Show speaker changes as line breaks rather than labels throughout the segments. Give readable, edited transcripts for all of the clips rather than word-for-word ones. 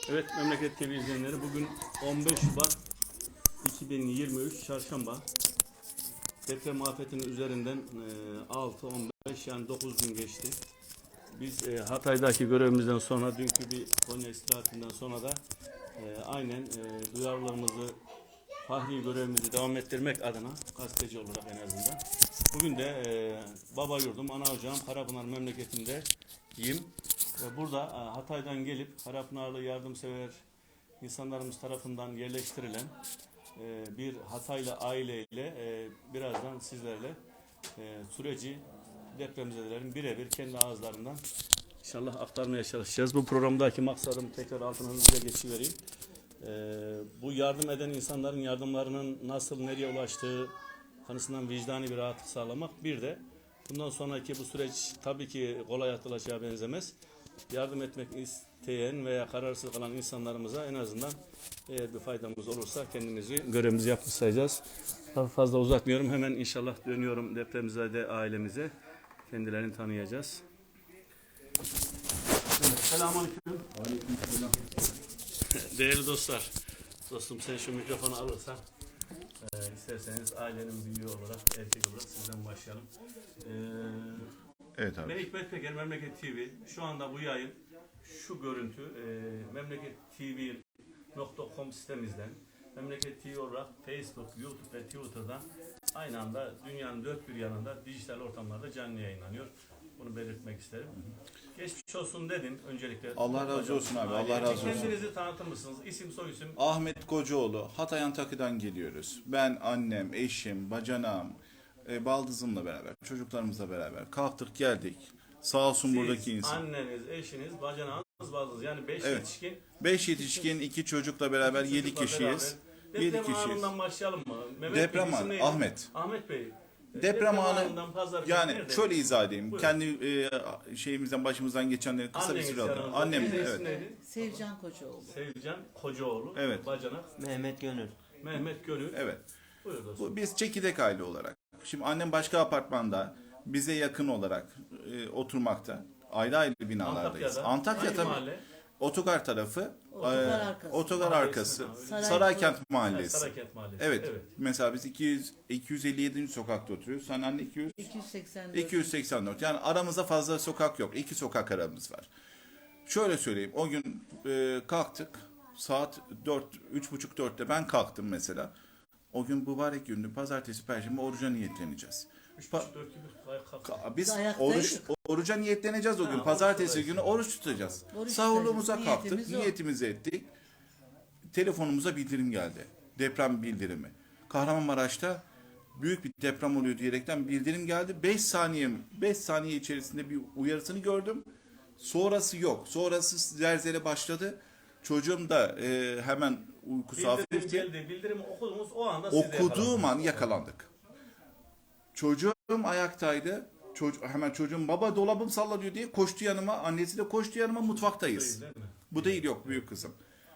Evet Memleket TV izleyenleri, bugün 15 Şubat 2023 Çarşamba. Deprem afetinin üzerinden 6-15 yani 9 gün geçti. Biz Hatay'daki görevimizden sonra, dünkü bir Konya istirahatinden sonra da aynen duyarlılığımızı, fahri görevimizi devam ettirmek adına, gazeteci olarak en azından. Bugün de baba yurdum, ana ocağım Karapınar memleketindeyim. Burada Hatay'dan gelip Karapınarlı yardımsever insanlarımız tarafından yerleştirilen bir Hataylı aileyle birazdan sizlerle süreci depremzedelerin birebir kendi ağızlarından inşallah aktarmaya çalışacağız. Bu programdaki maksadım, tekrar altına hızlıca geçivereyim. Bu yardım eden insanların yardımlarının nasıl, nereye ulaştığı konusunda vicdani bir rahatlık sağlamak. Bir de bundan sonraki bu süreç tabii ki kolay atılacağı benzemez. Yardım etmek isteyen veya kararsız kalan insanlarımıza en azından eğer bir faydamız olursa kendimizi, görevimizi yapmış sayacağız. Daha fazla uzatmıyorum. Hemen inşallah dönüyorum depremzede ailemize. Kendilerini tanıyacağız. Evet, selamünaleyküm.
Aleykümselam.
Değerli dostlar, dostum sen şu mikrofonu alırsan isterseniz ailenin büyüğü olarak, erkek olarak sizden başlayalım.
Evet abi.
Ben Hikmet Peker, Memleket TV. Şu anda bu yayın, şu görüntü memlekettv.com sitemizden, Memleket TV olarak Facebook, YouTube ve Twitter'dan aynı anda dünyanın dört bir yanında dijital ortamlarda canlı yayınlanıyor. Bunu belirtmek isterim. Geçmiş olsun dedin öncelikle.
Allah razı olsun abi. Allah razı olsun.
Kendinizi tanıtır mısınız? İsim, soyisim.
Ahmet Kocaoğlu. Hatay Antakya'dan geliyoruz. Ben, annem, eşim, bacanağım, baldızımla beraber, çocuklarımızla beraber kalktık geldik. Sağ olsun buradaki insan.
Anneniz, eşiniz, bacanağınız, baldız. Yani 5
Evet.
yetişkin.
5 yetişkin, 2 çocukla beraber 7 kişiyiz. 7
Deprem
kişiyiz.
anından başlayalım mı? Mehmet
Deprem
Bey, isim
anı.
neydi?
Ahmet.
Ahmet Bey.
Deprem anı.
anından pazar günü
Yani
nerede?
şöyle izah edeyim.
Buyurun.
Kendi şeyimizden, başımızdan geçenleri kısa bir
Anneniz
süre alalım.
yanınızda.
Annem,
Teyze
evet.
isim neydi?
Sevcan Kocaoğlu.
Sevcan Kocaoğlu.
Evet.
Bacanak.
Mehmet Gönül.
Mehmet Gönül.
Evet.
Buyur dostum.
Biz çekirdek aile olarak. Şimdi annem başka apartmanda bize yakın olarak oturmakta. Ayrı ayrı binalardayız. Antakya
Hangi
tabii.
mahalle?
Otogar tarafı.
Otogar arkası.
Otogar
Mahalle
arkası.
ismi abi.
Saraykent Mahallesi.
Saraykent Mahallesi.
Evet. Mesela biz 257. sokakta oturuyoruz. Sen anne
284.
284. Yani aramızda fazla sokak yok. 2 sokak aramız var. Şöyle söyleyeyim. O gün kalktık. Saat 4, 3.30-4'te ben kalktım mesela. O gün mübarek gündü. Pazartesi, Perşembe oruca niyetleneceğiz.
3,5-4 gibi kalk.
Biz
Ayaktaydık.
oruca niyetleneceğiz o gün.
Ha,
Pazartesi
oruç
günü oruç tutacağız.
Oruç
Sahurluğumuza
tutacağız.
kalktık.
Niyetimiz o.
Niyetimizi ettik. Telefonumuza bildirim geldi. Deprem bildirimi. Kahramanmaraş'ta büyük bir deprem oluyor diyerekten bildirim geldi. 5 saniye içerisinde bir uyarısını gördüm. Sonrası yok. Sonrası zelzele başladı. Çocuğum da hemen uykusu
Bildirim
hafifti.
geldi. Bildirimi okudunuz, o anda siz de
Okuduğum an
yakalandınız.
yakalandık. Çocuğum ayaktaydı. Hemen çocuğum baba dolabım sallanıyor diye koştu yanıma. Annesi de koştu yanıma, mutfaktayız.
Değil mi?
Bu değil, yok, büyük kızım.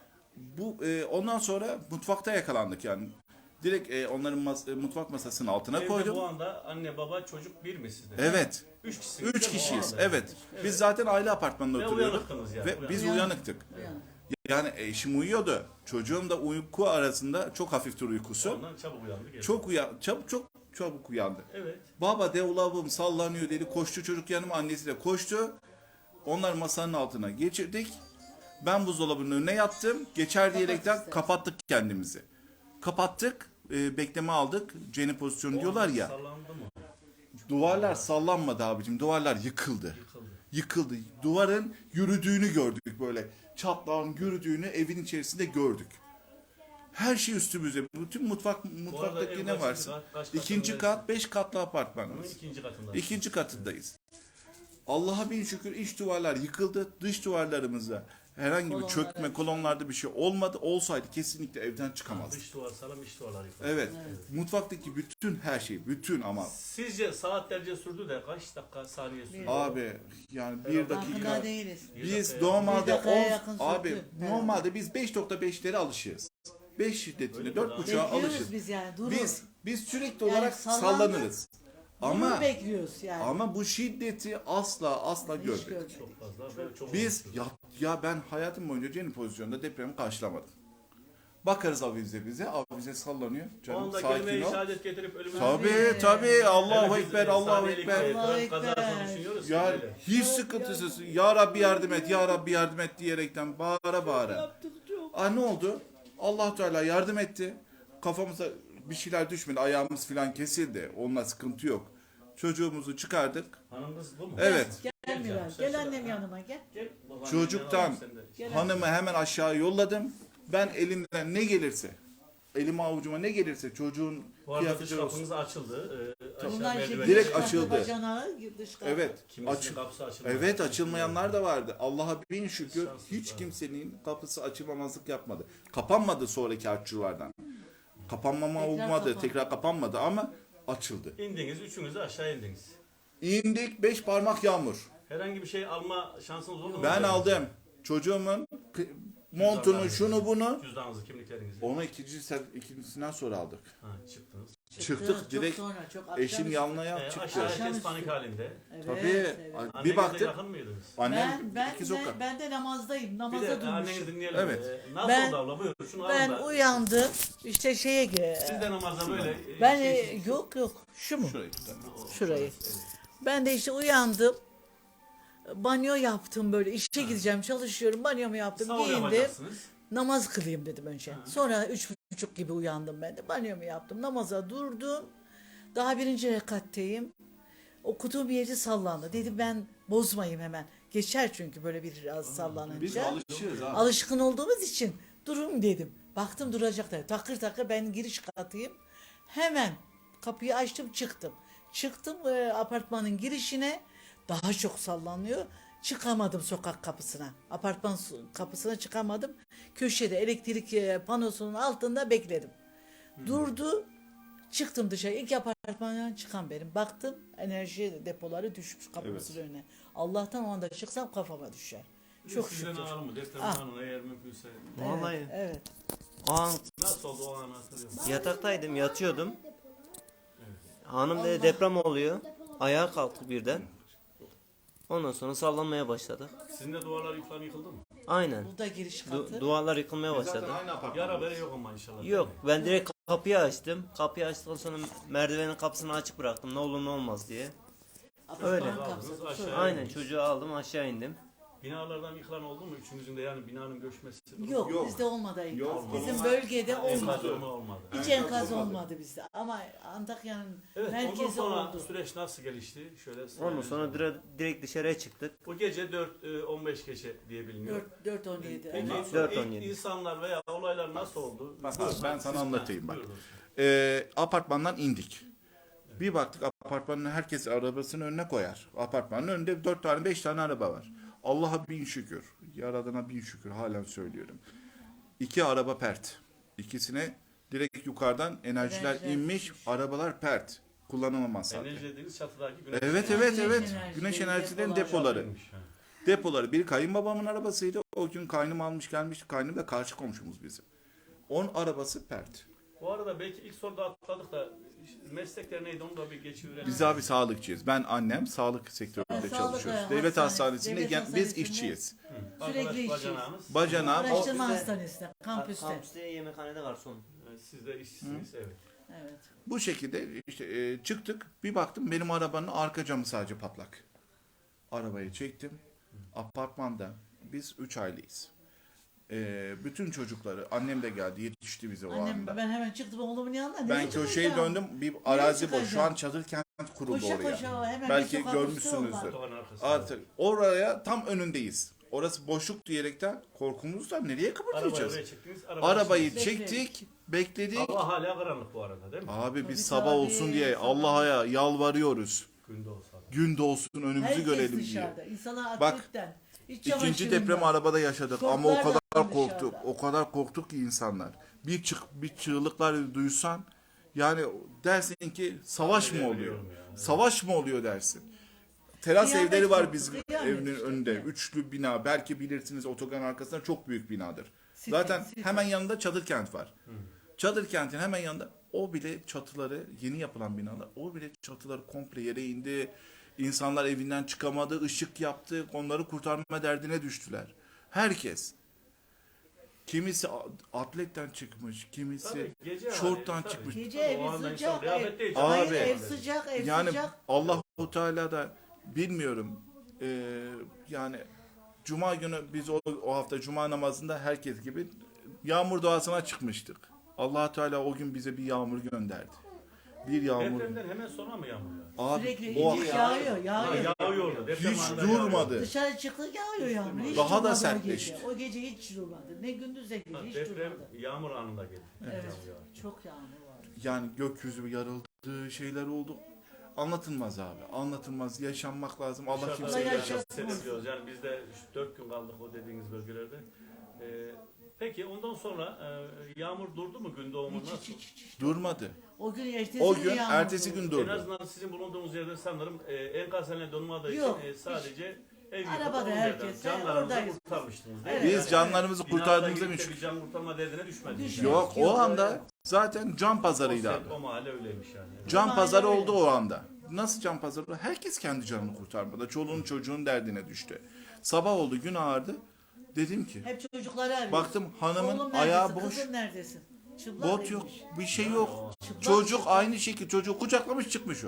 Ondan sonra mutfakta yakalandık yani. Direkt onların mutfak masasının altına
Evde
koydum.
bu anda anne, baba, çocuk bir mi sizde?
Evet.
3 kişisiniz.
3
değil mi? O
kişiyiz.
anda.
Evet. Biz zaten aile apartmanında
Ve
oturuyorduk.
uyanıktınız yani.
Ve biz
Uyanık.
uyanıktık.
Yani.
Yani eşim uyuyordu. Çocuğum da uyku arasında çok hafiftir uykusu.
Ondan çabuk uyandı. geldi.
Çok çabuk uyandı.
Evet.
Baba dolabım sallanıyor dedi. Koştu çocuk yanıma, annesi de koştu. Onlar masanın altına geçirdik. Ben buzdolabının önüne yattım. Geçer diyerekten
istersen.
kapattık kendimizi. Kapattık. Bekleme aldık. Ceni pozisyonu diyorlar ya.
Sallandı mı?
Duvarlar sallanmadı abicim. Duvarlar yıkıldı. Yıkıldı. Duvarın yürüdüğünü gördük böyle. Çatlağın yürüdüğünü evin içerisinde gördük. Her şey üstümüze. Bütün mutfaktaki
ev
ne
kaçıncı
varsa.
kat, kaç
İkinci
katındayız?
kat, 5 katlı
Bunun
apartmanımız.
ikinci katında.
İkinci katındayız. Allah'a bin şükür iç duvarlar yıkıldı. Dış duvarlarımızda herhangi bir
Kolonlar,
çökme,
evet.
kolonlarda bir şey olmadı. Olsaydı kesinlikle evden çıkamazdık.
Dış duvar sağlam, iç duvarlar yıkıldı.
Evet. Mutfaktaki bütün her şey, bütün ama
Sizce saatlerce sürdü de kaç dakika, saniye sürdü?
abi yani bir
Farkında
dakika.
Farkında değiliz.
Biz
Bir
normalde
dakikaya yakın
abi
sürdü.
normalde biz 5.5'lere alışığız. 5 şiddetine
Öyle mi?
4.5'a
Bekliyoruz
alışırız.
biz yani. Durur.
Biz sürekli
Yani
olarak
sallandı.
sallanırız. Ama
bekliyoruz yani.
ama bu şiddeti asla
Hiç
görmedik.
görmedik.
Çok fazla ve çok
Biz ya ben hayatım boyunca Cenni pozisyonda depremi karşılamadım. Bakarız avize bize, avize sallanıyor.
O
Canım
anda
sakin
kelime-i
ol.
şehadet getirip ölümü...
Tabii Allahu
Hele biz,
Ekber, Allahu
saniyelik
Ekber.
bir
Allahu
trafik
Ekber.
kazasını düşünüyoruz ki
Ya
böyle.
hiç sıkıntısız. Ya Rabbi yardım et, Ya Rabbi yardım et diyerekten bağıra. Ne oldu? Allah Teala yardım etti. Kafamıza bir şeyler düşmedi, ayağımız falan kesildi. Onunla sıkıntı yok. Çocuğumuzu çıkardık.
Hanımınız bu mu?
Evet.
Gel Miran, gel annem yanıma gel.
Gel, babaannenin
Çocuktan
yanına bak sen de.
Gel
hanımı hemen aşağı yolladım. Ben elimden ne gelirse, elime avucuma ne gelirse çocuğun
Bu arada dış
kıyafetleri olsun.
kapınız açıldı. Aşağı
Bunlar işte
merdiveni-
Direkt
dış kapı,
açıldı.
bacanağı, dış kapı.
Evet.
Kimisinin kapısı açıldı.
Evet, açılmayanlar da vardı. Allah'a bin şükür
Şanssız
hiç
var.
kimsenin kapısı açılmamazlık yapmadı. Kapanmadı sonraki harççılardan. Kapanmama
Tekrar
olmadı,
kapandı.
tekrar kapanmadı ama açıldı.
İndiniz, üçünüz de aşağı indiniz.
İndik 5 parmak yağmur.
Herhangi bir şey alma şansınız oldu mu?
Ben aldım. Çocuğumun montunu, şunu bunu.
Cüzdanınızı, kimliklerinizi.
Onu ikincisinden sonra aldık.
Ha, çıktınız.
Çıktık
Çok
direkt.
sonra, çok akşam
Eşim
üstü.
yanına çıktı.
Aşağı herkes
Akşamüstü.
panik halinde.
Evet,
Tabii.
evet.
Annenizle
Bir baktık.
yakın mıydınız?
Annem
Ben
iki sokak.
ben de namazdayım.
Bir
Namaza
de annenizi
durmuşum.
dinleyelim.
Evet.
Nasıl
Ben-
oldu abla? Buyur. Şunu
Ben
alın da.
uyandım. İşte şeye
Siz de namazda böyle.
ben
şey-
yok şu mu?
Şurayı tutalım.
Şurayı.
Evet.
Ben de işte uyandım. Banyo yaptım böyle. İşe gideceğim, çalışıyorum. Banyomu yaptım,
Sahur
giyindim.
yapacaksınız.
Namaz kılayım dedim önce. Sonra 3:30 gibi uyandım ben de. Banyomu yaptım. Namaza durdum. Daha birinci rekatteyim. Okuduğum yeri sallandı. Dedim ben bozmayayım hemen. Geçer çünkü böyle biraz
Biz
sallanınca.
alışığız ha.
Alışkın olduğumuz için durun dedim. Baktım duracaklar. Takır takır ben giriş katıyım. Hemen kapıyı açtım çıktım. Çıktım apartmanın girişine. Daha çok sallanıyor. Çıkamadım sokak kapısına. Apartman kapısına çıkamadım. Köşede elektrik panosunun altında bekledim. Durdu. Çıktım dışarı. İlk apartmandan çıkan benim. Baktım enerji depoları düşmüş kapımızın önüne. Allah'tan o anda çıksam kafama düşer. Çok
Sizden
şükür.
alalım mı? Deprem
Ah.
anına eğer mümkünse.
Vallahi
Evet.
o an
Nasıl oldu o anı hatırlıyor musun?
yataktaydım, yatıyordum. Hanım dedi deprem oluyor. Ayağa kalktı birden. Ondan sonra sallanmaya başladı.
Sizin de duvarlar yıkılan yıkıldı mı?
Aynen.
Bu da giriş katı.
Duvarlar yıkılmaya
Zaten
başladı.
aynı apartman.
Yara bere yok ama inşallah.
Yok, ben direkt kapıyı açtım. Kapıyı açtıktan sonra merdivenin kapısını açık bıraktım. Ne olur ne olmaz diye.
Apartman
Öyle.
kapısı.
Aşağı
Aynen,
indiniz.
çocuğu aldım, aşağı indim.
Binalardan yıkılan oldu mu? Üçünüzün de yani binanın göçmesi.
Yok,
Yok.
bizde olmadı enkaz.
Yok,
Bizim
olmaz.
bölgede
Enkaz
olmadı.
olma olmadı.
Hiç
Enkaz
enkaz
olmadı.
olmadı bizde. Ama Antakya'nın
Evet, ondan
merkezi
sonra
oldu.
süreç nasıl gelişti? Şöyle
Ondan
sırayla
sonra
yazalım.
direkt dışarıya çıktık.
Bu gece 4-15 gece diye biliniyor.
4-17.
Peki
Evet.
ilk
4-17.
insanlar veya olaylar nasıl oldu?
Bak
Buyurun,
abi, ben sana
siz-
anlatayım bak.
Buyurun.
Apartmandan indik. Bir baktık apartmanın herkes arabasını önüne koyar. Apartmanın önünde 4 tane 5 tane araba var. Allah'a bin şükür. Yaradana bin şükür halen söylüyorum. 2 araba pert. İkisine direkt yukarıdan enerjiler
Enerjiler
inmiş.
düşmüş.
Arabalar pert. Kullanılamaz halde.
Enerji dediğiniz çatıdaki güneş.
Evet
enerjisi.
evet evet.
enerjileri,
Güneş enerjilerin
depolar.
depoları.
Yapılmış, ha.
Depoları. Biri kayınbabamın arabasıydı. O gün kaynım almış gelmiş. Kaynım da karşı komşumuz bizim. Onun arabası pert.
Bu arada belki ilk soruda atladık da meslekler neydi onu da bir geçiverelim.
Biz abi sağlıkçıyız. Ben annem sağlık sektöründe
Sağlık
çalışıyoruz. Devlet
hastanesi,
hastanesinde
devlet
biz
hastanesinde.
işçiyiz.
Sürekli
Arkadaş
işçiyiz.
bacanağınız.
Bacanağım o
Araştırma
Bizde-
hastanesinde, kampüste.
Kampüste yemekhanede garson.
Siz de işçisiniz, evet.
Evet.
bu şekilde işte çıktık. Bir baktım benim arabanın arka camı sadece patlak. Arabayı çektim. Apartmanda biz 3 aileyiz. Bütün çocukları annem de geldi yetişti bize o
Annem,
anda.
ben hemen çıktım oğlumun yanına.
Ben
Nereye
köşeye
çıkacağım?
döndüm. Bir arazi boş. Şu
çıkacağım?
an çadır kent kuruldu
Koşa
oraya.
koşa hemen
Belki
bir sokak
görmüşsünüzdür.
üstü var.
Otoban arkasında.
Artık oraya tam önündeyiz. Orası boşluk diyerekten korkumuzdan nereye
Arabayı
kıpırdayacağız?
oraya çektiniz.
Arabayı
Bekledik.
çektik, bekledik.
Hava hala karanlık bu arada değil mi?
Abi
Tabii,
biz sabah
tabii,
olsun diye
sabah.
Allah'a yalvarıyoruz.
Günde olsa da.
Gün doğsun önümüzü
Herkes
görelim
dışarıda.
diye.
İnsanlar
Bak,
atletten. İç
İkinci
çamaşırından.
depremi arabada yaşadık ama o
Şortlar da
kadar
dışarıda.
korktuk. O kadar korktuk ki insanlar. Bir çığlıklar duysan yani dersin ki savaş mı oluyor?
Biliyorum ya, evet.
Savaş mı oluyor dersin. Teras
Kıyamet
evleri var
koptu,
bizim
kıyamet
evinin
işte.
önünde. Üçlü bina. Belki bilirsiniz otogar arkasında çok büyük binadır.
Site,
Zaten
site.
hemen yanında çadır kent var. Çadır kentin hemen yanında O bile çatıları, yeni yapılan binalar, o bile çatıları komple yere indi. İnsanlar evinden çıkamadı, ışık yaptı, onları kurtarma derdine düştüler. Herkes. Kimisi atletten çıkmış, kimisi
Tabii, gece
şorttan
hani, tabii.
çıkmış.
Gece
O
evi
anda insan
sıcak.
kıyafet değil.
Hayır,
Abi,
ev sıcak, ev
Yani
sıcak.
Allahu Teala da bilmiyorum. Yani Cuma günü biz o hafta Cuma namazında herkes gibi yağmur duasına çıkmıştık. Allah Teala o gün bize bir yağmur gönderdi. Bir yağmur.
Depremden hemen sonra mı yağmur yağıyor?
Abi
Sürekli
o
yağıyor, yağıyor.
Yağıyordu. Deprem
hiç
anında yağıyor.
durmadı.
Dışarı çıktık yağıyor yağmur. Hiç
Daha da
durmadı o
sertleşti.
gece. O gece hiç durmadı. Ne gündüz ne gece
Ha,
hiç
deprem
durmadı.
yağmur anında geldi.
Evet.
Yağmur yağıyor.
Çok yağmur var.
Yani gökyüzü yarıldı, şeyler oldu. Anlatılmaz abi. Anlatılmaz. Yaşanmak lazım. Allah
Dışarıda
kimseye
yaşa-
yaşasın.
seyrediyoruz. Yani biz de 4 gün kaldık o dediğiniz bölgelerde. Peki ondan sonra yağmur durdu mu gün doğumundan
Hiç,
sonra?
hiç.
Durmadı.
O gün ertesi
O
gün
gün
yağmur
ertesi
oldu.
gün
En
durdu.
azından sizin bulunduğunuz yerde sanırım enkaz haline donmadığı
Yok,
için sadece ev yıkıp
Arabada
onun
herkes,
yerden canlarınızı
oradayız.
kurtarmıştınız değil
Evet.
mi?
Biz
Yani
canlarımızı
binada
kurtardığımızda
girip de
müşkül.
bir can kurtarma derdine düşmediniz.
Düşmedik.
Yani.
Yok o anda zaten can
O,
pazarıydı abi.
o mahalle öyleymiş yani.
Can
Aynen
pazarı
öyle.
oldu o anda. Nasıl can pazarı? Herkes kendi canını kurtarmada. Çoluğun çocuğun derdine düştü. Sabah oldu, gün ağardı. Dedim ki,
Hep çocukları arıyor.
baktım hanımın
Oğlum
ayağı
neredesin,
boş,
kızım neredesin? Çıplak
bot yok,
inmiş.
bir şey yok.
Çıplak
Çocuk
çıplak.
aynı şekilde, çocuğu kucaklamış çıkmış o.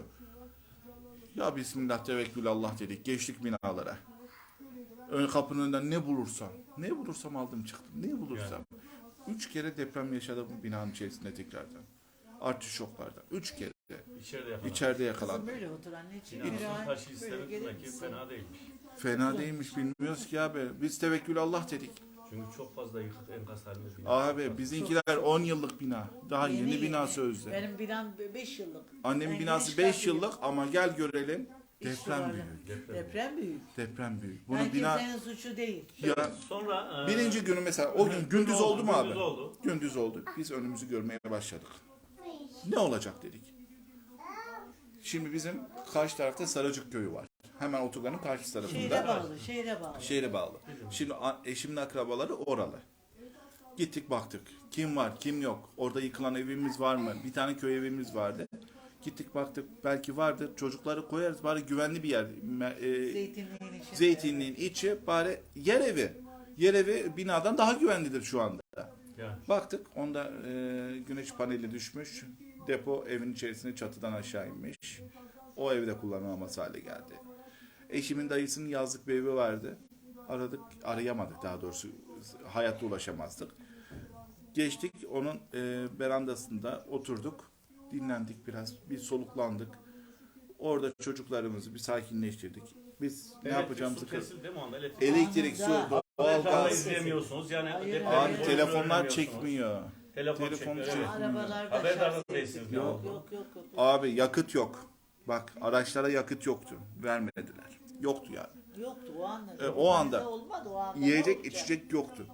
Ya Bismillah tevekkül Allah dedik, geçtik binalara. Ön kapının önünden ne bulursam aldım çıktım, ne bulursam. 3 kere deprem yaşadım binanın içerisinde tekrardan. Artış şoklardan. 3 kere
İçeride yakalandı.
içeride
Kızım
yakalandım.
böyle otur anneciğim.
Binanın
Böyle
taşı
böyle
istemek
gelir
demek ki
misin?
fena değilmiş.
Fena değilmiş bilmiyoruz ki abi. Biz tevekkül Allah dedik.
Çünkü çok fazla yıkık enkaz halinde bina.
Abi bizimkiler 10 yıllık bina. Daha yeni bina sözde.
Benim binam 5 yıllık.
Annemin
Ben
binası
giriş
5
katıyım.
yıllık ama gel görelim.
İç
Deprem
duvarlı.
büyük.
Deprem büyük.
Deprem büyük. Bunu
Yani
bina
kimsenin suçu değil.
ya
Sonra
birinci günü mesela o gün gündüz oldu mu abi?
Gündüz oldu.
Gündüz oldu. Biz önümüzü görmeye başladık. Ne olacak dedik. Şimdi bizim karşı tarafta Saracık köyü var. Hemen otogarın karşı
Şehre
tarafında.
bağlı, şehre bağlı.
Şehre bağlı. Şimdi eşimin akrabaları oralı. Gittik baktık. Kim var, kim yok. Orada yıkılan evimiz var mı? Bir tane köy evimiz vardı. Gittik baktık. Belki vardır. Çocukları koyarız. Bari güvenli bir yer.
Zeytinliğin içinde.
Zeytinliğin içi bari yer evi. Yer evi binadan daha güvenlidir şu anda.
Yani.
Baktık. Onda güneş paneli düşmüş. Depo evin içerisine çatıdan aşağı inmiş. O evde kullanılamaz hale geldi. Eşimin dayısının yazlık bir evi vardı. Aradık, arayamadık daha doğrusu. Hayatta ulaşamazdık. Geçtik onun berandasında oturduk. Dinlendik biraz. Bir soluklandık. Orada çocuklarımızı bir sakinleştirdik. Biz ne yapacağımızı
Su kesildi değil mi o anda?
elektrik, su,
Anında.
Ekranda
doğalgaz.
izleyemiyorsunuz. Yani
Hayır,
depremi
hayır.
Abi
boyunca
telefonlar
göremiyorsunuz.
çekmiyor.
Telefon
Telefon
çekmiyor.
çekmiyor.
Evet.
Arabalarda
Haberdar
şarj
değilsiniz ne
yok,
oldu?
yok.
Abi yakıt yok. Bak araçlara yakıt yoktu. Vermediler. Yoktu yani.
Yoktu o anda.
O anda.
Bizde olmadı o anda. Ne
Yiyecek
olacak?
içecek yoktu.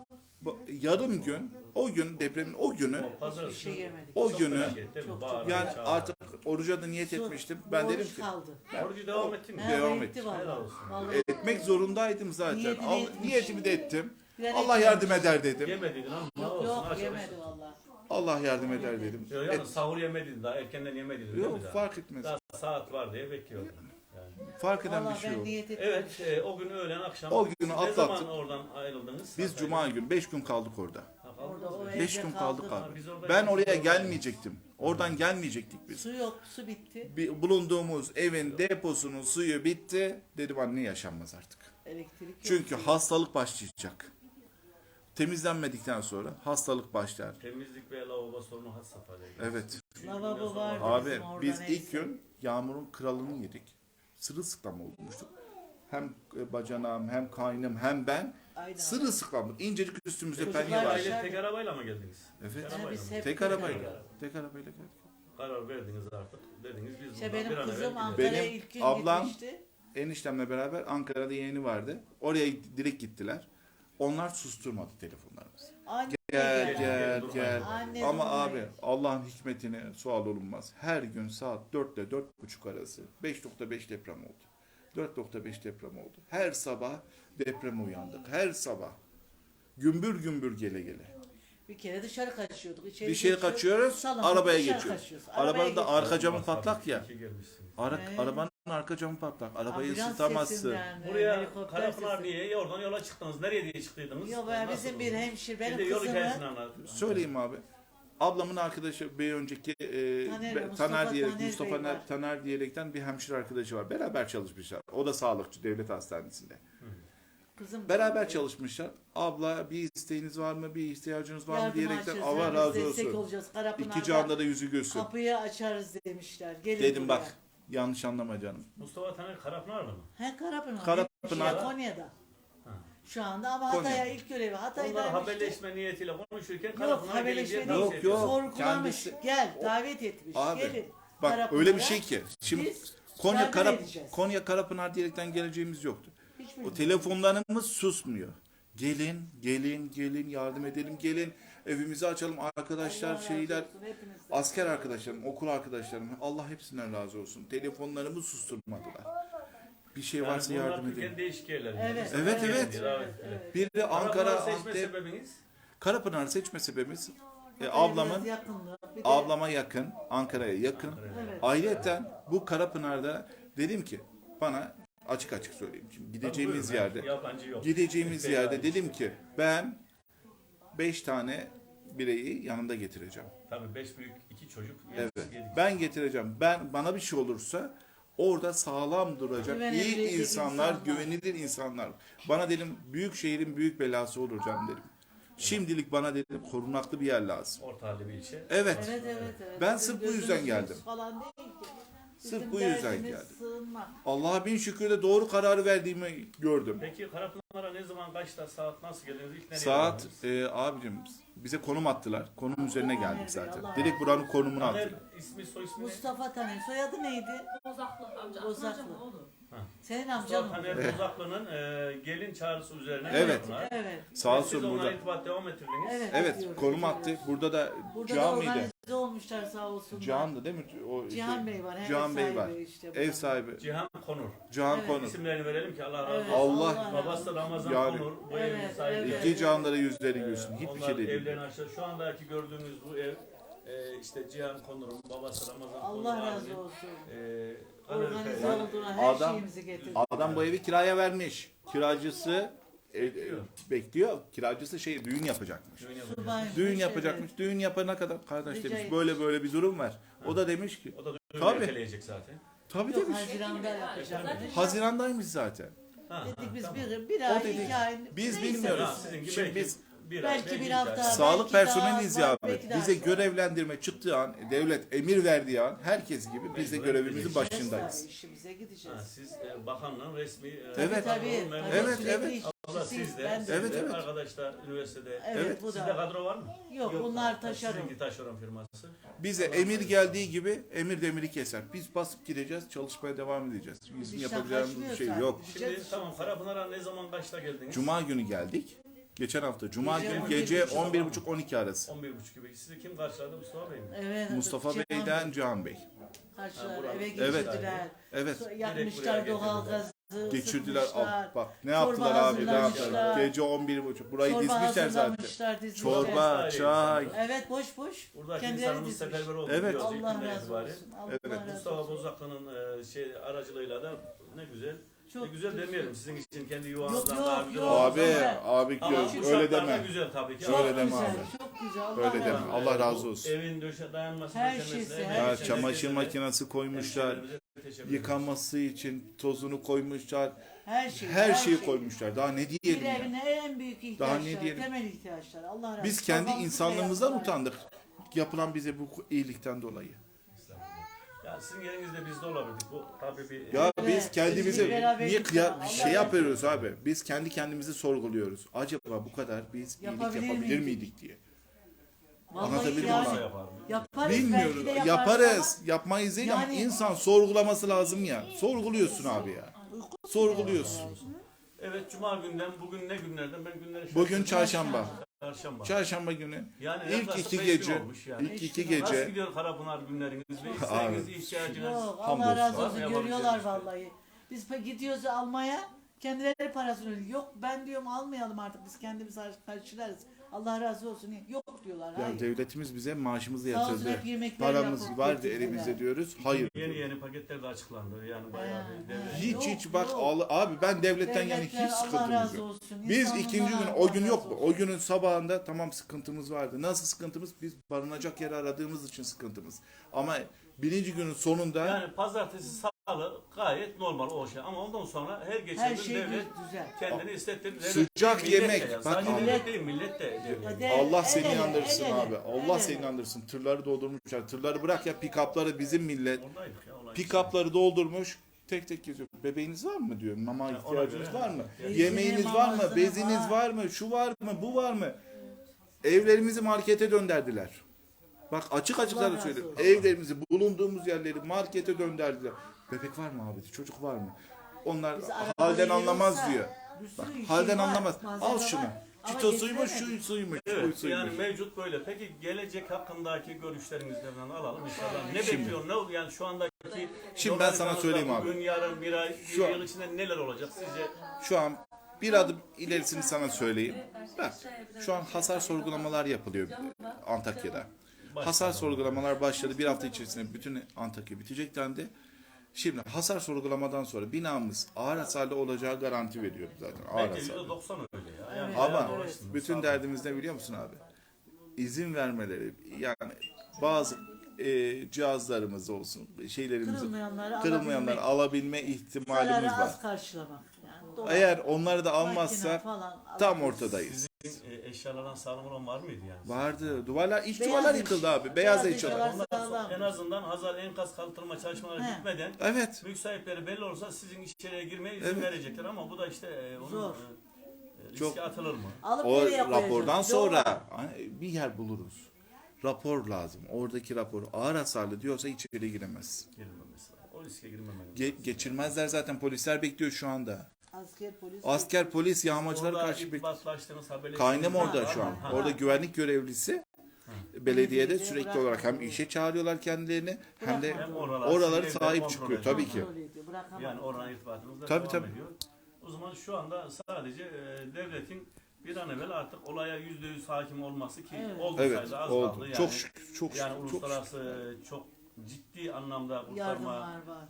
Yarım gün, o gün depremin o günü,
Pazar
Bir şey yemedik.
o
çok
günü
felaket değil mi?
Çok-
Bağıran,
yani
çağıran.
artık oruca da niyet
Su,
etmiştim. Ben
oruç
dedim ki
kaldı.
Orucu devam ettin mi?
Ha,
Devam
etti
et.
vallahi.
Helal olsun.
Vallahi.
etmek zorundaydım zaten.
Niyetini etmiş.
Niyetimi de ettim.
Yani
Allah
etmemiş.
yardım eder dedim.
Yemediydin ama ne
Yok
olsun.
yok
aç
yemedi
aç.
vallahi.
Allah yardım eder dedim.
Yok yalnız sahur yemediydin daha erkenden yemediydin değil mi
Yok
daha?
fark etmez.
Daha saat var diye bekliyordun. Yani.
Fark eden bir
Vallahi
şey
ben
yok.
niyet ettim.
Evet o gün öğlen akşam.
O günü
Siz
atlattık.
Ne zaman oradan ayrıldınız?
Biz cuma günü 5 gün kaldık orada.
Ha,
Orada
kaldınız
o
mı?
evde
5 gün kaldık
kaldık.
abi.
Biz orada
Ben
gittik,
oraya
orada-
gelmeyecektim. Oradan gelmeyecektik biz.
Su yok, su bitti.
Bulunduğumuz evin deposunun suyu bitti. Dedim anne yaşanmaz artık.
Elektrik yok.
Çünkü hastalık başlayacak. Temizlenmedikten sonra hastalık başlar.
Temizlik ve lavabo sorunu had safhada.
Evet.
Lavabo vardı
Abi
bizim orada
biz
neyse.
ilk gün yağmurun kralını yedik. Sırılsıklam olmuştuk. Hem bacanağım hem kaynım hem ben
Aynen.
sırılsıklamdık. İncecik üstümüzde
Çocuklar
penye var.
aşağı-
Aile tek arabayla mı geldiniz?
Evet.
Tek
Ha,
arabayla
biz
mı?
hep
Tek arabayla. Tek arabayla geldik.
Karar verdiniz artık. Dediniz biz
İşte
bundan bir
benim
an evvel
kızım
gidelim.
Ankara'ya
Benim
ilk gün
ablam-
gitmişti.
Eniştemle beraber Ankara'da yeğeni vardı. Oraya direkt gittiler. Onlar susturmadı telefonlarımızı.
Anne
Gel
gel.
gel.
Anne
Ama
durmayın.
abi Allah'ın hikmetine sual olunmaz. Her gün saat 4 ile 4.30 arası 5.5 deprem oldu. 4.5 deprem oldu. Her sabah depreme uyandık. Her sabah. Gümbür gümbür gele gele.
Bir kere dışarı kaçıyorduk. İçeri
Dışarı
geçiyorduk,
kaçıyoruz,
salonda
arabaya
dışarı
geçiyoruz.
kaçıyoruz. Arabaya
Arabanın da
geçiyoruz.
arka camı patlak ya.
İki gelmişsin.
Arabanın arka camı patlak. Arabayı
Ambulans
ısıtamazsın.
sesinden,
Buraya
helikopter
Karapınar
sesi.
niye? Oradan yola çıktınız. Nereye diye çıktıydınız?
Yok be,
Nasıl
bizim
oldu?
bir hemşire,
Bir de
benim
yol
kızımı
hikayesini anlat.
Söyleyeyim abi. Ablamın arkadaşı bir önceki
Mustafa
diyerek
Taner
Mustafa
Bey var.
Taner diyerekten bir hemşire arkadaşı var. Beraber çalışmışlar. O da sağlıkçı devlet hastanesinde.
Kızım
Beraber çalışmışlar. Abla bir isteğiniz var mı? Bir ihtiyacınız var mı
yardım
diyerekten
açacağız,
Allah
yani
razı
destek
olsun.
olacağız. Karapınar'da
İki canda da yüzü gülsün.
kapıyı açarız demişler. Gelin
Dedim
buraya.
bak yanlış anlama canım.
Mustafa Taner Karapınar'da mı?
He Karapınar.
Karapınar.
Hemşire Konya'da.
Ha.
Şu anda ama
Konya.
Hatay'a ilk görevi.
Onlar
Hatay'daymıştı.
haberleşme niyetiyle konuşurken
Yok
Karapınar'a gelin diye
haberleşme
tavsiye
değil.
Yok, yok.
ediyorlar.
Sorgulamış.
Kendisi-
Gel davet etmiş.
Abi,
Gelin.
Bak
Karapınar'a.
öyle bir şey ki. Şimdi
Biz
Konya
yardım edeceğiz.
Konya Karapınar diyerekten geleceğimiz yoktu.
Hiç
O
bilmiyorum.
telefonlarımız susmuyor. Gelin yardım edelim gelin. Evimizi açalım arkadaşlar
Allah razı
şeyler.
olsun hepinizden.
Asker arkadaşlarım, okul arkadaşlarım Allah hepsinden razı olsun. Telefonlarımı susturmadılar. Bir şey
Yani
varsa
bunlar
yardım
Türkiye'nin
edin.
değişik yerleri.
Evet,
Evet, evet.
Evet.
Bir de Ankara,
Karapınar seçme
Antep,
sebebiniz?
Karapınar seçme sebebimiz
Hatay'a
ablamın
biraz yakınlığı. Bir de-
ablama yakın, Ankara'ya yakın.
Evet.
Ayrıca bu Karapınar'da dedim ki bana açık söyleyeyim. Şimdi gideceğimiz
Tabii buyurun,
yerde
yabancı yok.
gideceğimiz
Beyler
yerde
işte.
dedim ki ben 5 tane bireyi yanımda getireceğim.
Tabii 5 büyük 2 çocuk.
Evet.
yedik.
Ben getireceğim. Bana bir şey olursa orada sağlam duracak iyi
Güvenebilecek
insanlar,
insanlar.
güvenilir insanlar. Bana dedim büyük şehrin büyük belası olur canım dedim. Şimdilik bana dedim korunaklı bir yer lazım.
Orta halli bir ilçe.
Evet.
Evet.
Ben
Bizim
sırf bu yüzden
gözümüz
geldim.
Falan değil ki.
Sırf
Bizim
bu yüzden
derdimiz
geldim.
sığınmak.
Allah'a bin şükür de doğru kararı verdiğimi gördüm.
Peki Karapınar'a ne zaman kaçta saat nasıl geldiniz? İlk nereye
Saat
geldiniz?
abicim bize konum attılar. Konum üzerine geldik
Taner Bey,
zaten.
Allah
Direkt buranın konumunu
Taner
attılar.
ismi soy ismi ne?
Mustafa Taner. Soyadı neydi?
Bozaklı amca.
Bozaklı.
Amcam oğlu.
Senin amcan
Mustafa
mı?
Taner Bozaklı'nın gelin çağrısı üzerine.
Evet.
Karapınar.
Evet.
Sağ
Ve siz
olsun
onunla
burada.
irtibat devam ettirdiniz.
Evet.
Evet
ediyoruz,
konum
ediyoruz.
attı. Burada da
Burada
Cihan
da
mıydı?
organize olmuşlar sağ olsunlar.
Cihan'dı değil mi? O işte,
Cihan Bey var.
Cihan
ev
Bey
sahibi
var.
işte
Ev
buranın.
sahibi.
Cihan Konur.
Cihan
Evet.
Konur.
İsimlerini verelim ki Allah razı
Evet,
olsun.
Allah-
razı
Babası da
olsun.
Ramazan
Yani-
Konur. Bu
Evet,
evin sahibi.
evet.
İki canlara yüzleri gülsün. Hiçbir
Onlar
şey değil.
evlerini açtı. Şu andaki gördüğünüz bu ev işte Cihan Konur'un babası Ramazan Konur.
Allah razı
abinin,
olsun.
Amerika-
Organize
yani
olduğuna her
adam-
şeyimizi getirdi.
Adam bu evi kiraya vermiş. Kiracısı bekliyor. Kiracısı düğün yapacakmış.
düğün yapıyor.
Subaymış,
Düğün
evet.
yapacakmış. Düğün yapana kadar kardeş
Rica
demiş
etmiş.
böyle bir durum var. O da demiş ki
O da düğün
Tabii.
erteleyecek zaten.
tabii
Yok
demiş.
Haziran'da yapacakmış.
Hazirandaymış zaten.
Ha,
Dedik biz
tamam.
bir
O
ay,
dedik,
2 ay.
biz
neyse.
bilmiyoruz.
Ha, sizinki
Şimdi
belki
biz
bir ay,
belki bir
iki
hafta.
ay.
sağlık
belki daha
personeliyiz
az,
ya abi.
belki daha
Bize
çok.
görevlendirme çıktığı an, devlet emir verdiği an herkes gibi biz de
Mecburen
görevimizin
gideceğiz.
başındayız.
İşimize
Ha,
gideceğiz.
siz bakanlığın resmi
Evet.
Tabii.
memuru.
Evet,
sürekli
evet.
Abla
işçisiyiz,
siz de,
ben de.
Evet, evet.
arkadaşlar üniversitede.
Evet, bu
Sizde
da.
kadro var mı?
Yok bunlar taşeron.
Sizinki taşeron firması.
Bize emir geldiği gibi emir demiri keser. Biz basıp gideceğiz, çalışmaya devam edeceğiz. Bizim
İşten
yapacağımız bir
kaçmıyor
şey
zaten.
yok.
Şimdi tamam Karapınar'a ne zaman kaçta geldiniz?
Cuma günü geldik. Geçen hafta Cuma
Gece
günü
11.30
gece 11.30-12 arası.
11.30 gibi. Sizi kim karşıladı? Mustafa Bey mi?
Evet,
Mustafa
Cihan
Bey'den
Bey
Cihan Bey.
karşılar,
Ha,
eve
Evet.
geçirdiler.
Evet.
Yakmışlar
buraya
doğal gazı.
Geçirdiler.
ısıtmışlar.
Bak ne
Çorba
yaptılar abi ne
hazırlamışlar.
yaptılar. Gece 11.30. Burayı
Çorba
dizmişler zaten.
hazırlamışlar, dizmişler.
Çorba, çay.
Evet boş.
Buradaki
Kendileri
insanımız
dizmiş.
seferber oldu.
Evet.
biliyoruz ilk
Allah
günden
razı
itibaren.
olsun. Allah
Evet.
razı
Mustafa
olsun.
Bozaklı'nın aracılığıyla da ne güzel.
Çok
ne güzel
güzel.
demeyelim sizin için kendi
Yok,
yuvanızdan
yok,
daha güzel
yok.
olmaz
Abi,
ama-
abi
Ama bu
öyle
şartlarda
deme.
güzel tabii ki.
Öyle
Ama
deme
güzel,
abi.
çok güzel. Allah
Öyle
razı
deme.
olsun.
Allah razı
bu
olsun.
Evin dayanması,
Her
döşemesine,
şeysi,
emeği
her
Ya
için
çamaşır
herkese
makinesi koymuşlar.
hemşehrilerimize teşekkür ederiz.
Yıkanması için tozunu koymuşlar.
Her
Şeyi koymuşlar. Daha ne
Bir
diyelim ya?
evine en büyük
Daha ne
ihtiyaçlar,
diyelim?
temel ihtiyaçlar. Allah razı olsun.
Biz kendi
Babamız
insanlığımızdan
bile yaptılar.
utandık. Yapılan bize bu iyilikten dolayı.
Ya sizin yerinizde biz de olabilirdik. Bu tabii bir
Ya
Evet,
biz kendimizi
biz beraberlik
niye
ya. Allah
şey
razı
yapıyoruz abi? Biz kendi kendimizi sorguluyoruz. Acaba bu kadar biz iyilik
Yapabilir
yapabilir
miydik?
miydik diye.
Vallahi
Anlatabildim
yani
mi?
yaparız,
Bilmiyoruz.
belki de
Yaparız. Yapmayız değil ama
Yani-
insan sorgulaması lazım ya. Sorguluyorsun abi ya. Sorguluyorsun.
Evet cuma günden bugün ne günlerden ben günleri
Bugün
şaşırdım.
çarşamba.
Çarşamba.
Çarşamba günü
Yani
ilk
yaklaşık
iki
5 gün
gece
olmuş yani.
ilk iki
Nasıl
gece
gidiyor Karapınar günleriniz ve isteğiniz, ihtiyacınız?
Yok,
Hamdolsun.
Allah razı
Var
olsun
mı
görüyorlar
yapabileceğiniz
vallahi. Biz gidiyoruz almaya, Kendileri parasını ödüyor. Yok ben diyorum almayalım artık biz kendimiz karşılarız. Allah razı olsun. Yok diyorlar.
Ya
Hayır.
devletimiz bize maaşımızı
Sağ olsun,
yatırdı.
hep yemekler
Paramız
yapıp
vardı
getirdiler.
elimizde diyoruz. Hayır.
Yeni paketler de açıklandı. Yani bayağı bir devlet.
Hiç bak abi ben devletten yani
Devletler,
hiç
Allah
sıkıntımız
razı
yok.
olsun.
Biz
İnsanlardan
ikinci gün
Allah
o gün
razı
yok mu?
olsun.
O günün sabahında tamam sıkıntımız vardı. Nasıl sıkıntımız? Biz barınacak yer aradığımız için sıkıntımız. Ama birinci günün sonunda
Yani pazartesi, salı gayet normal o şey. Ama ondan sonra her geçen
Her
gün
şey
devlet
güzel.
kendini istettirdi.
Sıcak
Millet de
yemek.
ya.
Bak
Sadece
abi.
millet değil, millet de devlet.
Allah seni
El ele,
inandırsın
el ele,
abi.
el
Allah
ele.
seni inandırsın. Tırları doldurmuşlar. Tırları bırak ya pick-up'ları bizim millet.
Oradaydık ya. olay.
Pick-up'ları doldurmuş. Tek tek geziyor. Bebeğiniz var mı diyor. Mama
ona
ihtiyacınız
göre.
var mı?
Bezini,
Yemeğiniz var mı?
mamasını
Beziniz
var.
var mı? Şu var mı? Bu var mı? Evlerimizi markete dönderdiler. Bak açık
Allah
da
razı
söylüyorum.
olsun.
Evlerimizi, bulunduğumuz yerleri markete dönderdiler. Bebek var mı abi? Çocuk var mı? Onlar
Biz arabayı
halden anlamaz
yiyorsa,
diyor.
bir sürü
Bak
şey
halden
var,
anlamaz.
malzeme
Al
var.
şunu.
Ama
Çitosuymuş,
getiremedim.
şu suymuş, bu
Evet,
suymuş.
yani mevcut böyle. Peki gelecek hakkındaki görüşlerinizden alalım inşallah. Ne
Şimdi-
bekliyorsun? Ne yani şu andaki
Şimdi ben sana söyleyeyim abi.
Bugün, yarın, bir ay,
Şu
bir
an-
yıl içinde neler olacak sizce?
Şu an bir adım ilerisini sana söyleyeyim. Bak şu an hasar sorgulamalar yapılıyor Antakya'da. Hasar sorgulamalar başladı. Bir hafta içerisinde bütün Antakya bitecek dendi. Şimdi hasar sorgulamadan sonra binamız ağır hasarlı olacağı garanti veriyor zaten. Ağır
Bence
hasarlı.
%90 öyle ya. Yani
Ama
bayağı uğraştınız,
bütün
sağ olun.
derdimiz ne biliyor musun abi? İzin vermeleri yani bazı cihazlarımız olsun, şeylerimizi
Kırılmayanları
alabilme ihtimalimiz
zararı
var.
az karşılamak. Yani dolar,
Eğer onları da
makine
almazsak
falan
tam
alabiliriz.
ortadayız.
Sizin eşyalardan sağlam olan var mıydı yani?
Vardı. Duvarlar, iç
Beyaz
duvarlar
iş.
yıkıldı abi. Beyaz
Beyaz
eşyalar.
eşyalar. Sağlam.
En azından Hazar enkaz kaldırma çalışmaları
He.
bitmeden
Evet.
mülk sahipleri belli olursa sizin içeriye girmeye izin
Evet.
verecekler ama bu da işte onun
Zor.
riske
Çok-
atılır mı?
Alıp
O
nereye koyacağız?
rapordan
Doğru.
sonra bir yer buluruz. Rapor lazım. Oradaki rapor ağır hasarlı diyorsa içeri giremez.
Girmemesi lazım. O riske girmemeli.
Geçirmezler zaten polisler bekliyor şu anda.
Asker polis.
Asker polis yağmacılara
Orada
karşı bekliyor.
irtibatlaştığınız haberleştiniz
Kaynım
mi?
orada
Var
şu
mı?
an.
Ha.
Orada güvenlik görevlisi. Belediyede sürekli olarak hem işe çağırıyorlar kendilerini hem de
Hem oralar
oraları
sizin
sahip
kontrol
çıkıyor
ediyor.
tabii ki.
Kontrol ediyor, bırakamam.
Yani oran irtibatımız da
Tabii,
devam
tabii.
ediyor. O zaman şu anda sadece devletin bir an evvel artık olaya %100 hakim olması ki
Evet.
oldu
Evet
sayıda az
oldu.
kaldı. Yani,
Çok şükür, çok
yani
şükür, çok şükür.
uluslararası çok ciddi anlamda
Yardımlar var.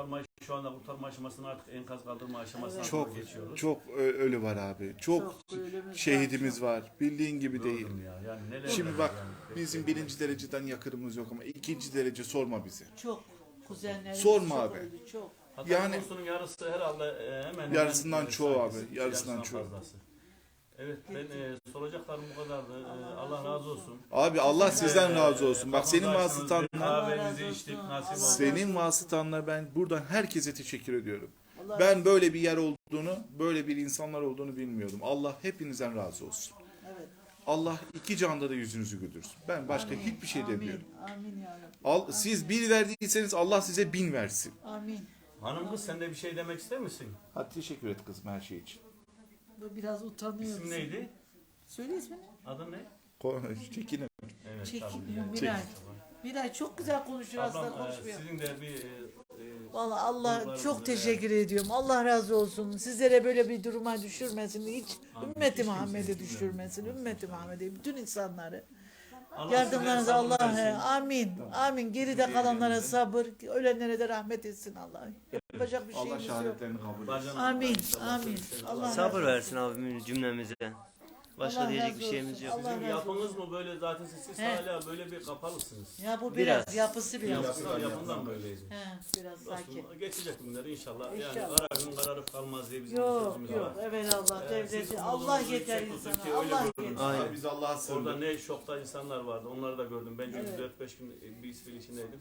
şu anda kurtarma aşamasını artık enkaz kaldırma aşamasına
Evet.
doğru
Çok
geçiyoruz.
çok ölü var abi. Çok
ölümümüz
şehidimiz var. Bildiğin gibi değil.
Gördüm ya. Yani neler
Şimdi
neler
bak
yani.
bizim birinci dereceden yakınımız yok ama ikinci derece sorma bizi.
Çok. Kuzenlerimiz
Sorma
çok
abi.
öldü, çok.
Hatta
yani-
nüfusunun yarısı herhalde hemen
Yarısından
hemen,
çoğu abi,
sayısı,
yarısından çoğu.
fazlası. Evet ben soracaklarım bu kadardı. Allah razı olsun.
Abi Allah sizden razı olsun. Bak senin
Kapınızı açtınız, bir
vasıtanla
kahvenizi içtik nasip oldu.
senin vasıtanla ben buradan herkese teşekkür ediyorum.
Allah
Ben böyle bir yer olduğunu, böyle bir insanlar olduğunu bilmiyordum. Allah hepinizden razı olsun.
Evet.
Allah iki canda da yüzünüzü güldürsün. Ben başka hiçbir şey demiyorum.
Amin ya Rabbi.
Siz bir verdiyseniz Allah size 1000 versin.
Amin.
Hanım kız sen de bir şey demek ister misin?
Hadi teşekkür et kızım her şey için.
Bu biraz utanıyor.
İsim neydi?
Söyle ismini.
Adın ne?
Çekinin.
Evet,
Çekinmiyor
tabii.
Miray. Miray çok güzel konuşuyor aslında
Ablam
konuşmuyor.
sizin de bir
Vallahi Allah
duygularınızı
çok
da-
teşekkür ediyorum. Allah razı olsun. Sizlere böyle bir duruma düşürmesin. Hiç
Amin.
ümmeti
Hiç
Muhammed'i
kimseyi
düşürmesin. Ümmeti Muhammed'i, bütün insanları.
Allah
Yardımlarınızı
size sabır
Allah
versin.
amin. Amin. Geride kalanlara sabır, ölenlere de rahmet etsin Allah. Yapacak bir
Allah
şeyimiz yok.
şehadetlerini kabul etsin.
Bacanım,
Amin,
inşallah
amin.
sizin-
Allah
Sabır versin abimiz cümlemize. Başka
Allah
diyecek
razı
bir şeyimiz
olsun.
yok.
Allah
Sizin
razı
yapınız
olsun.
mı böyle zaten siz
He.
hala böyle bir kapalısınız.
Ya bu
Biraz.
biraz yapısı biraz.
Yapından böyleydi.
He, biraz sakin.
Dostum, geçecek günler inşallah. Yani
İnşallah.
kararın kararı kalmaz diye bizim
Yok
sözümüz
yok.
var.
Evet Allah
Siz
devleti.
umudumuzu
Allah yeter
yüksek tutun
insana.
ki öyle
Allah
görürüz.
yeter.
Aynen.
Biz Allah'a
Orada
sığındık.
ne şokta insanlar vardı. Onları da gördüm. Ben çünkü
Evet.
4-5 gün bir İsveç içindeydim.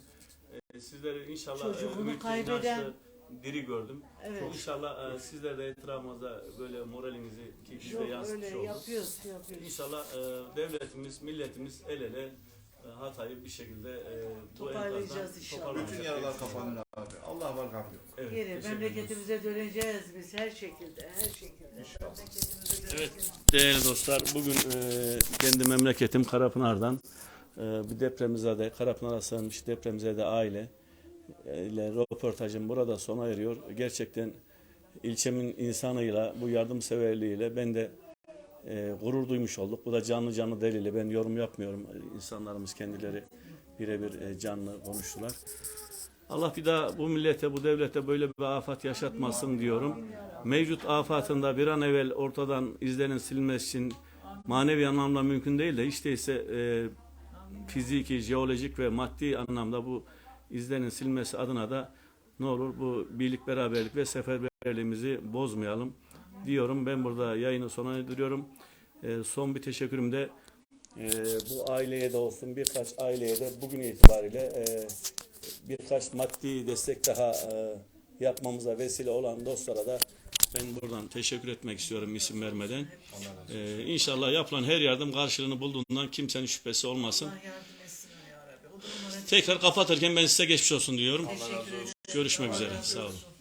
Sizleri inşallah
Çocuğunu
ümit,
kaybeden-
inançlı, diri gördüm.
Evet.
İnşallah sizler de etrafımızda böyle moralinizi ki biz de
Yok öyle
yansıtmış olduk.
yapıyoruz.
İnşallah devletimiz, milletimiz el ele Hatay'ı bir şekilde bu
Toparlayacağız
enkazdan
inşallah.
toparlayacak
Bütün
diye
yaralar
düşünüyorum.
kapanır abi. Allah var gam yok.
Evet,
Geri
teşekkür
memleketimize döneceğiz biz her şekilde. Her şekilde. Memleketimize
Evet
döneceğiz.
değerli dostlar bugün kendi memleketim Karapınar'dan bir depremzede Karapınar'a sığınmış depremzede aile ile röportajım burada sona eriyor. Gerçekten ilçemin insanıyla, bu yardımseverliğiyle ben de gurur duymuş olduk. Bu da canlı canlı delili. Ben yorum yapmıyorum. İnsanlarımız kendileri birebir canlı konuştular. Allah bir daha bu millete, bu devlete böyle bir afet yaşatmasın diyorum. Mevcut afatında bir an evvel ortadan izlerin silinmesi için manevi anlamda mümkün değil de hiç değilse fiziki, jeolojik ve maddi anlamda bu izlerin silmesi adına da ne olur bu birlik, beraberlik ve seferberliğimizi bozmayalım diyorum. Ben burada yayını sona erdiriyorum. Son bir teşekkürüm de bu aileye de olsun, birkaç aileye de bugün itibariyle birkaç maddi destek daha yapmamıza vesile olan dostlara da ben buradan teşekkür etmek istiyorum isim vermeden. İnşallah yapılan her yardım karşılığını bulduğundan kimsenin şüphesi olmasın.
Allah yardım etsin ya Rabbi. O durumlara
Tekrar kapatırken ben size geçmiş olsun diyorum.
teşekkür ederim.
Görüşmek üzere. Sağ olun.